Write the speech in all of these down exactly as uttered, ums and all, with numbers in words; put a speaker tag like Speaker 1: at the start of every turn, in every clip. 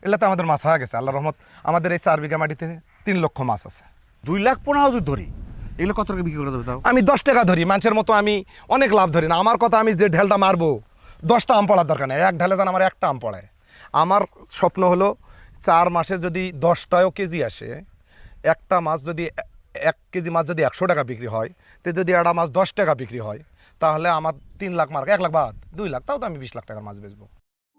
Speaker 1: এগুলো তো আমাদের মাছ হয়ে গেছে আল্লাহ রহমত। আমাদের এই চার বিঘা মাটিতে তিন লক্ষ মাছ আছে।
Speaker 2: দুই লাখ পনেরো যদি ধরি, এগুলো কত টাকা বিক্রি করে দেবে তাও?
Speaker 1: আমি দশ টাকা ধরি, মানুষের মতো আমি অনেক লাভ ধরি না। আমার কথা, আমি যে ঢেলটা মারবো দশটা আম পড়ার দরকার নেই, এক ঢেলে যেন আমার একটা আম পড়ায়। আমার স্বপ্ন হলো চার মাসে যদি দশটাও কেজি আসে, একটা মাছ যদি এক কেজি মাছ যদি একশো টাকা বিক্রি হয়, তো যদি একটা মাছ দশ টাকা বিক্রি হয়, তাহলে আমার তিন লাখ মার্ক, এক লাখ বাদ দুই লাখ, তাও তো আমি বিশ লাখ টাকার মাছ বেচবো।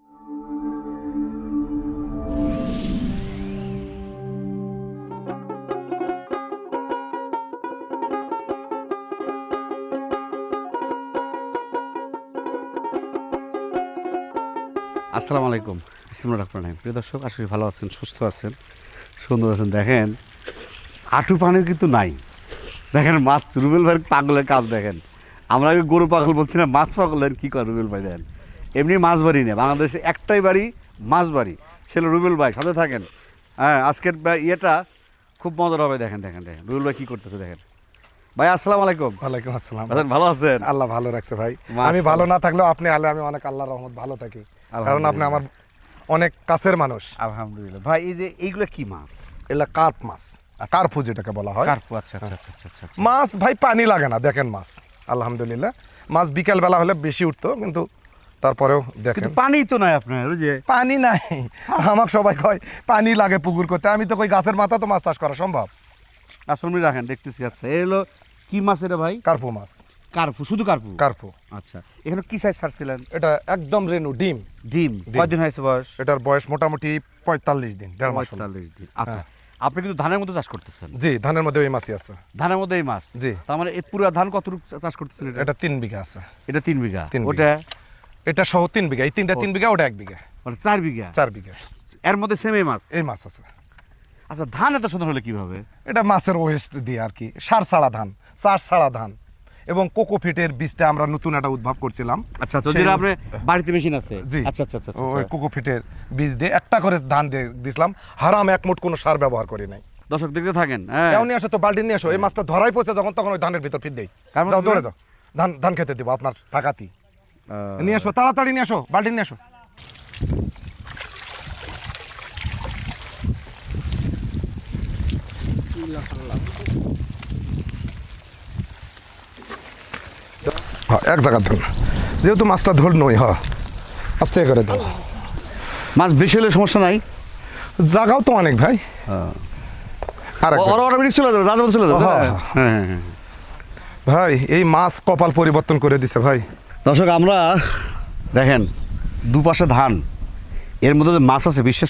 Speaker 2: আসসালামু আলাইকুম, বিসমিল্লাহির রহমানির রহিম। প্রিয় দর্শক, আশা করি ভালো আছেন, সুস্থ আছেন, সুন্দর আছেন। দেখেন হাঁটু পানিও কিন্তু নাই। দেখেন মাছ, রুবেল ভাইয়ের পাগলের কাজ দেখেন। আমরা আগে গরু পাগল বলছি না, মাছ পাগলের কী করে রুবেল ভাই। দেখেন এমনি মাছ বাড়ি নেই, বাংলাদেশে একটাই বাড়ি মাছ বাড়ি, সেটা রুবেল ভাই। সাথে থাকেন। হ্যাঁ, আজকের ইয়েটা খুব মজার হবে। দেখেন দেখেন দেখেন রুবেল ভাই কী করতেছে দেখেন। ভাই আসসালামু আলাইকুম।
Speaker 1: ওয়ালাইকুম আসসালাম।
Speaker 2: আছেন, ভালো আছেন?
Speaker 1: আল্লাহ ভালো রাখছে ভাই।
Speaker 2: মাশাআল্লাহ।
Speaker 1: আমি ভালো না থাকলেও আপনি আলে আমি অনেক আল্লাহর রহমত ভালো থাকি, কারণ আপনি আমার অনেক কাছের মানুষ।
Speaker 2: আলহামদুলিল্লাহ। ভাই এই যে এইগুলো কি মাছ?
Speaker 1: এগুলা কার্প মাছ, কার্পু যেটাকে বলা হয়।
Speaker 2: কার্পু, আচ্ছা আচ্ছা আচ্ছা আচ্ছা আচ্ছা।
Speaker 1: মাছ ভাই পানি লাগে না, দেখেন মাছ আলহামদুলিল্লাহ। মাছ বিকেল বেলা হলে বেশি উঠতো, কিন্তু তারপরেও দেখেন
Speaker 2: কিন্তু পানি তো নাই আপনার, ওই যে
Speaker 1: পানি নাই। আমাকে সবাই কয় পানি লাগে পুকুর করতে, আমি তো কই গাছের মাথা তো মাছ চাষ করা সম্ভব।
Speaker 2: আসলে রাখেন দেখতেছি। আচ্ছা এই হলো কি মাছ এটা ভাই?
Speaker 1: কার্পু মাছ।
Speaker 2: কার্পু, শুধু কার্পু?
Speaker 1: কার্পু।
Speaker 2: আচ্ছা, এখানে কি সাইজ ছাড়ছিলেন?
Speaker 1: এটা একদম রেনু ডিম।
Speaker 2: ডিম কয়দিন হয়েছে বয়স?
Speaker 1: এটার বয়স মোটামুটি পঁয়তাল্লিশ দিন, দেড় মাস হলো।
Speaker 2: পঁয়তাল্লিশ দিন। আচ্ছা, আপনি কিন্তু ধানের মতো চাষ করতেছেন?
Speaker 1: জি, ধানের মধ্যে ওই মাছই আছে।
Speaker 2: ধানের মধ্যে এই মাছ?
Speaker 1: জি।
Speaker 2: তার মানে এই পুরো ধান কতটুকু চাষ করতেছেন এটা?
Speaker 1: এটা তিন বিঘা আছে।
Speaker 2: এটা তিন বিঘা।
Speaker 1: তিন বিঘা।
Speaker 2: ওটা
Speaker 1: এটা সহ তিন বিঘা, এই তিনটা তিন বিঘা, ওটা এক বিঘা,
Speaker 2: মানে চার বিঘা।
Speaker 1: চার বিঘা।
Speaker 2: এর মধ্যে সেম এই মাছ?
Speaker 1: এই মাছ আছে।
Speaker 2: আচ্ছা, ধান এত সুন্দর হলে কিভাবে?
Speaker 1: এটা মাছের ওয়েস্ট দিয়ে আর কি, সার ছাড়া ধান, চাষ ছাড়া ধান, এবং কোকোফিটের বীজটা আমরা নতুন একটা উদ্ভাব করছিলাম।
Speaker 2: আচ্ছা আচ্ছা,
Speaker 1: সেই-
Speaker 2: যেটা আপনার বাড়িতে মেশিন আছে?
Speaker 1: জি।
Speaker 2: আচ্ছা আচ্ছা আচ্ছা
Speaker 1: ওই
Speaker 2: আচ্ছা।
Speaker 1: কোকোফিটের বীজ দিয়ে একটা করে ধান দিয়ে দিছিলাম, হারাম এক মুঠ কোনো সার ব্যবহার করি নাই।
Speaker 2: দর্শক দেখতে থাকেন। হ্যাঁ,
Speaker 1: এও নিয়ে আসো তো, বাল্টি নিয়ে আসো। এই মাছটা ধরাই পড়ছে যখন, তখন ওই ধানের ভিতর ফিট দেই।
Speaker 2: কার মধ্যে
Speaker 1: যাও দৌড়ে
Speaker 2: দিবেন?
Speaker 1: যাও, ধান ধান খেতে দিব আপনার থাকাতি।
Speaker 2: আহ,
Speaker 1: নিয়ে আসো, তাড়াতাড়ি নিয়ে আসো, বাল্টি নিয়ে আসো। হ্যাঁ, এক জায়গার ধরুন, যেহেতু মাছটা ধর নই, হ্যাঁ আস্তে করে দাও।
Speaker 2: মাছ বেশি হলে সমস্যা নাই?
Speaker 1: জায়গাও তো অনেক ভাই। আর এক
Speaker 2: ওরা অটোমেটিক চলে যাবে, রাজা চলে যাবে।
Speaker 1: হ্যাঁ,
Speaker 2: হ্যাঁ হ্যাঁ হ্যাঁ।
Speaker 1: ভাই, এই মাছ কপাল পরিবর্তন করে দিছে ভাই।
Speaker 2: দর্শক আমরা দেখেন দুপাশে ধান, এর মধ্যে যে মাছ আছে বিশ্বাস